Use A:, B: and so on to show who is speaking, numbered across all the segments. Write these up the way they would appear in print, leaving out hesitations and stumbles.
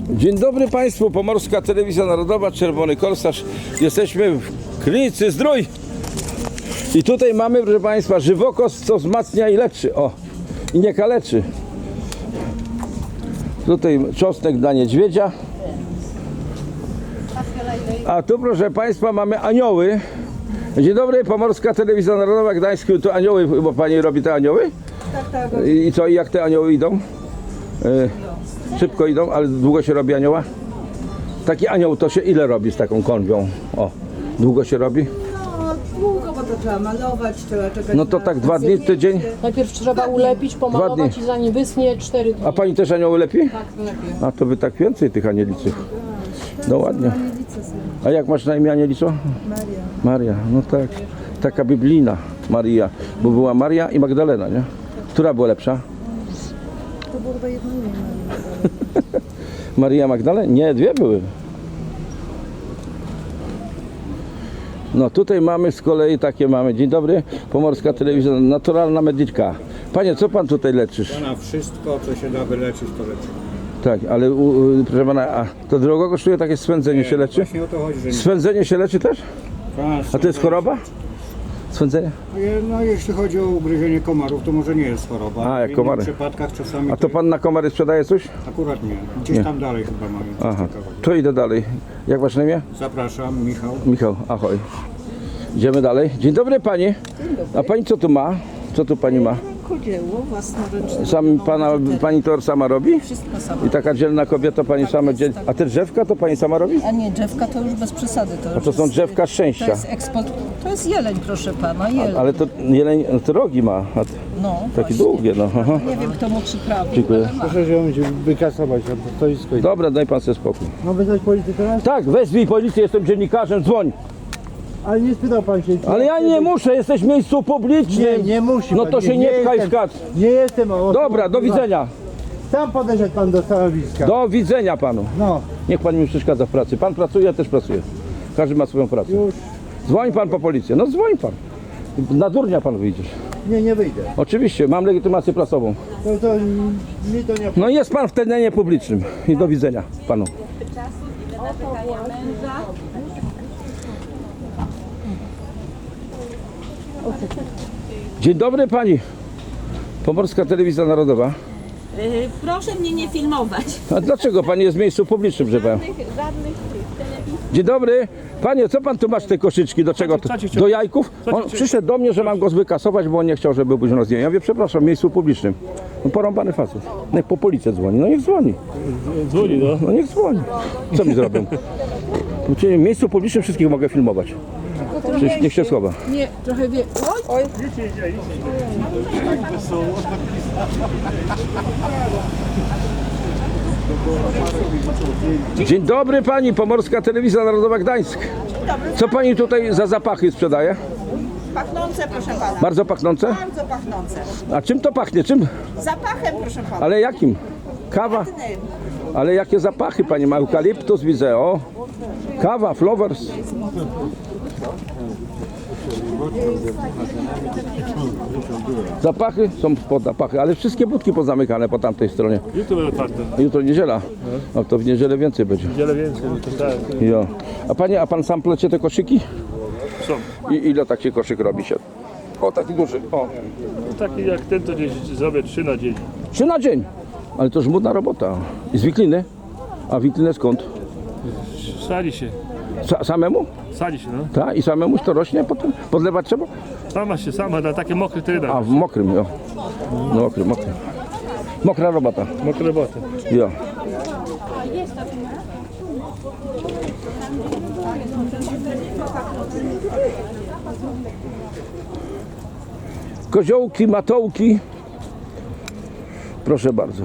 A: Dzień dobry Państwu, Pomorska Telewizja Narodowa, Czerwony Korsarz. Jesteśmy w klinicy Zdrój. I tutaj mamy, proszę Państwa, żywokos, co wzmacnia i leczy. O, i nie kaleczy. Tutaj czosnek dla niedźwiedzia. A tu, proszę Państwa, mamy anioły. Dzień dobry, Pomorska Telewizja Narodowa, Gdańsk. Tu anioły, bo Pani robi te anioły?
B: Tak.
A: I co, i jak te anioły idą? Szybko idą, ale długo się robi anioła? Taki anioł to się ile robi z taką konwią? O, długo się robi?
B: No długo, bo to trzeba malować, trzeba czekać.
A: No to tak 2 dni, tydzień?
C: Najpierw trzeba ulepić, pomalować i zanim wysnie 4 dni.
A: A Pani też anioły lepi?
C: Tak, lepiej.
A: A to Wy tak więcej tych anieliców. No ładnie. A jak masz na imię anielico?
B: Maria.
A: Maria, no tak. Taka biblijna Maria. Bo była Maria i Magdalena, nie? Która była lepsza?
B: To było chyba jedno imię.
A: Maria Magdalena? Nie, dwie były. No tutaj mamy z kolei takie mamy. Dzień dobry, Pomorska Telewizja, naturalna medyczka. Panie, co Pan tutaj leczysz?
D: Na wszystko, co się da wyleczyć, to leczy.
A: Tak, ale proszę Pana, a to drogo kosztuje takie swędzenie się leczy?
D: Właśnie o to chodzi, że nie.
A: Swędzenie się leczy też? A to jest choroba? Swędzenie?
D: No jeśli chodzi o ugryzienie komarów, to może nie jest choroba.
A: A, jak
D: w innych
A: komary.
D: przypadkach czasami
A: A to Pan na komary sprzedaje coś?
D: akurat nie. Gdzieś tam dalej chyba mają coś
A: Aha,
D: ciekawego.
A: to idę dalej. Jak Wasze imię?
D: Zapraszam, Michał.
A: Michał, ahoj. Idziemy dalej. Dzień dobry Pani. A Pani co tu ma? Co tu Pani ma?
B: Rękodzieło własnoręczne.
A: Sam Pani to sama robi?
B: Wszystko samo.
A: I taka dzielna kobieta Pani sama dzieli. A te drzewka to Pani sama robi?
B: A nie, drzewka to już bez przesady.
A: A to są drzewka szczęścia.
B: To jest eksport. To jest jeleń, proszę pana, jeleń.
A: Ale to jeleń, to rogi ma. A
B: No,
A: takie
B: właśnie.
A: długie, no. Aha.
B: Nie wiem, kto mu przyprawił.
A: Dziękuję.
E: Proszę wziąć, wykasować na to stoisko.
A: Dobra, daj Pan sobie spokój.
E: Mam wezwać policję teraz?
A: Tak, wezwij policję, jestem dziennikarzem, dzwoń.
E: Ale nie spytał pan się. czy
A: Ale ja nie
E: chcę być-
A: muszę, jesteś w miejscu publicznym.
E: Nie musi
A: No
E: pan,
A: to się nie pchaj w
E: jestem-
A: kat.
E: Nie jestem osobą
A: Dobra, do
E: prywatną.
A: widzenia.
E: Sam podeszedł pan do stanowiska.
A: Do widzenia Panu.
E: No,
A: Niech Pan mi przeszkadza w pracy. Pan pracuje, ja też pracuję. Każdy ma swoją pracę.
E: już.
A: Dzwoń Pan po policję. No dzwoń Pan. Na durnia Pan wyjdziesz.
E: Nie wyjdę.
A: Oczywiście, mam legitymację prasową.
E: To mi to nie...
A: No jest Pan w terenie publicznym. I do widzenia Panu. Dzień dobry Pani. Pomorska Telewizja Narodowa.
F: Proszę mnie nie filmować.
A: A dlaczego Pani jest w miejscu publicznym, że Pan?
F: Żadnych telewizji.
A: Dzień dobry. Panie, co Pan tu masz te koszyczki? Do czego? Do jajków? On przyszedł do mnie, że mam go wykasować, bo on nie chciał, żeby był na zdjęciu. Ja mówię, przepraszam, w miejscu publicznym. No porąbany facet. Niech po policję dzwoni. No niech dzwoni.
E: Dzwoni, no.
A: No niech dzwoni. Co mi zrobią? W miejscu publicznym wszystkich mogę filmować. Przecież niech się schowa.
C: Nie, trochę wie... Oj,
A: Dzień dobry Pani, Pomorska Telewizja Narodowa Gdańsk. Co Pani tutaj za zapachy sprzedaje?
G: Pachnące, proszę pana.
A: Bardzo pachnące?
G: Bardzo pachnące.
A: A czym to pachnie? Czym?
G: Zapachem, proszę pana.
A: Ale jakim? Kawa? Ale jakie zapachy Pani ma? Eukaliptus widzę, o. Kawa, flowers. Zapachy są pod zapachy, ale wszystkie budki pozamykane po tamtej stronie.
E: Jutro będę otwarte.
A: Jutro niedziela. No to w niedzielę więcej będzie.
E: Wiele więcej, to tak.
A: Jo. A Panie, a Pan sam plecie te koszyki?
E: Są.
A: I ile taki koszyk robi się? O, taki duży. O.
E: Taki jak ten, to gdzieś zrobię 3 na dzień.
A: 3 na dzień. Ale to żmudna robota. I z wikliny? A wiklinę skąd?
E: Sadzi się.
A: Samemu?
E: Sadzi się, no.
A: Tak? I samemu to rośnie potem? Podlewać trzeba?
E: Sama na takie mokre terenach.
A: A, w mokrym, jo. No, mokry. Mokra robota.
E: Mokre roboty.
A: Jo. Koziołki, matołki. Proszę bardzo.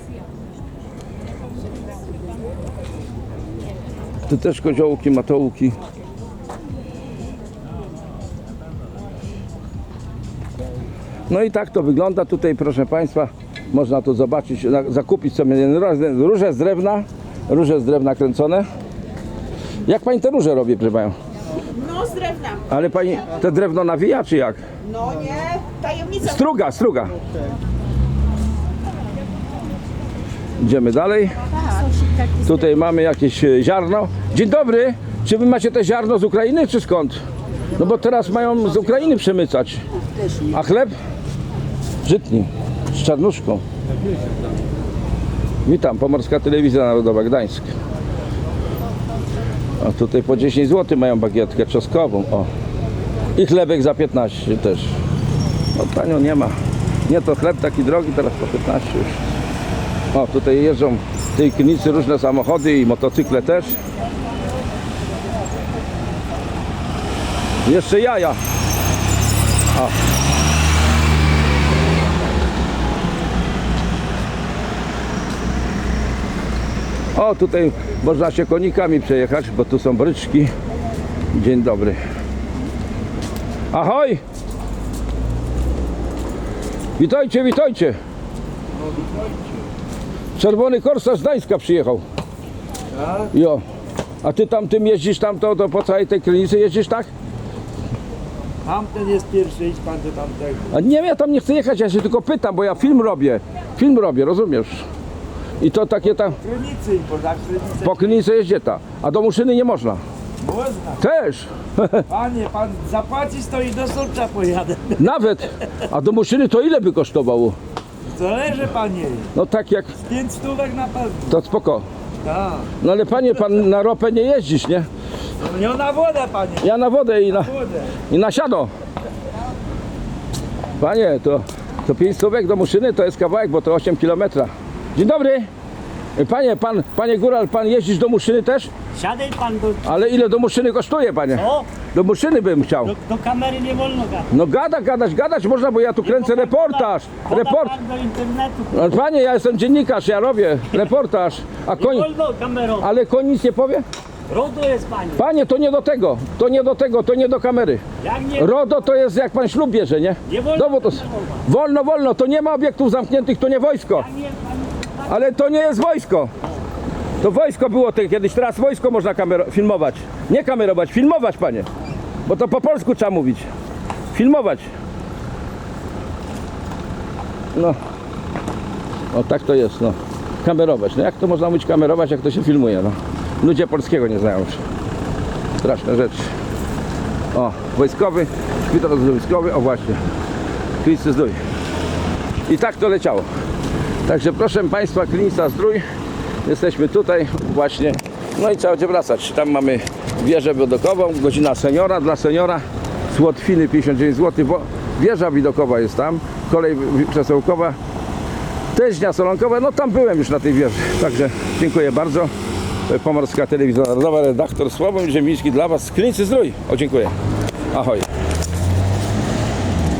A: Tu też koziołki, matołki. No i tak to wygląda tutaj, proszę Państwa. Można tu zobaczyć, zakupić sobie róże z drewna kręcone. Jak Pani te róże robi, proszę Panią?
G: No z drewna.
A: Ale Pani te drewno nawija, czy jak?
G: No nie, tajemnica.
A: Struga. Idziemy dalej. Tutaj mamy jakieś ziarno. Dzień dobry. Czy wy macie te ziarno z Ukrainy, czy skąd? No bo teraz mają z Ukrainy przemycać. A chleb? Żytni. Z czarnuszką. Witam, Pomorska Telewizja Narodowa, Gdańsk. A tutaj po 10 zł mają bagietkę czosnkową. O. I chlebek za 15 też. No tanio nie ma. Nie, to chleb taki drogi, teraz po 15 już. O, tutaj jeżdżą w tej klinicy różne samochody i motocykle też. Jeszcze jaja. O, tutaj można się konikami przejechać, bo tu są bryczki. Dzień dobry. Ahoj! Witajcie, witajcie! Czerwony Korsarz z Gdańska przyjechał. Jo. A ty tam tym jeździsz to po całej tej klinicy jeździsz, tak?
H: Tamten jest pierwszy, idź pan do tamtego.
A: A nie, ja tam nie chcę jechać, ja się tylko pytam, bo ja film robię. Film robię, rozumiesz? I to takie tam,
H: Krynicy, bo za Krynicę
A: po klinice jeździ ta. A do Muszyny nie można.
H: można.
A: Też.
H: Panie, pan zapłaci, to i do Solcza pojadę.
A: Nawet. A do Muszyny to ile by kosztowało?
H: Zależy, panie.
A: No tak jak,
H: 5 stówek na pewno.
A: to spoko.
H: Tak.
A: No ale panie, pan na ropę nie jeździsz, nie?
H: Nie na wodę, panie.
A: Ja na wodę i
H: Wodę.
A: na siano. Panie, to 5 stówek do Muszyny to jest kawałek, bo to 8 km. Dzień dobry. Panie Góral, pan jeździsz do Muszyny też?
I: Siadaj pan do,
A: Ale ile do Muszyny kosztuje, panie?
I: o,
A: Do Muszyny bym chciał.
I: do kamery nie wolno gadać.
A: No gadać można, bo ja tu kręcę reportaż.
I: Poda pan do internetu.
A: No, panie, ja jestem dziennikarz, ja robię reportaż. A
I: Nie wolno kamerą.
A: Ale koń nic nie powie?
I: RODO jest pani.
A: Panie, to nie do tego, to nie do kamery.
I: Jak nie,
A: RODO to jest jak pan ślub bierze, nie?
I: Nie wolno
A: No bo to wolno, to nie ma obiektów zamkniętych, to nie wojsko.
I: nie pan,
A: Ale to nie jest wojsko. To wojsko było kiedyś, teraz wojsko można filmować. Nie kamerować, filmować, panie. Bo to po polsku trzeba mówić. Filmować. No. No tak to jest, no. Kamerować. No jak to można mówić kamerować, jak to się filmuje, no. Ludzie polskiego nie znają już. Straszne rzeczy. O, wojskowy, szpital wojskowy, o właśnie. Klinicy Zdrój. I tak to leciało. Także proszę państwa, Klinica Zdrój. Jesteśmy tutaj właśnie. No i trzeba będzie wracać. Tam mamy wieżę widokową, godzina seniora. Dla seniora z Łotwiny 59 zł. Wieża widokowa jest tam. Kolej przesyłkowa. Teźnia Solonkowa. No tam byłem już na tej wieży. Także dziękuję bardzo. Pomorska Telewizja Narodowa, redaktor Sławomir Ziemiński dla Was z Klinicy Zdrój. O, dziękuję. Ahoj.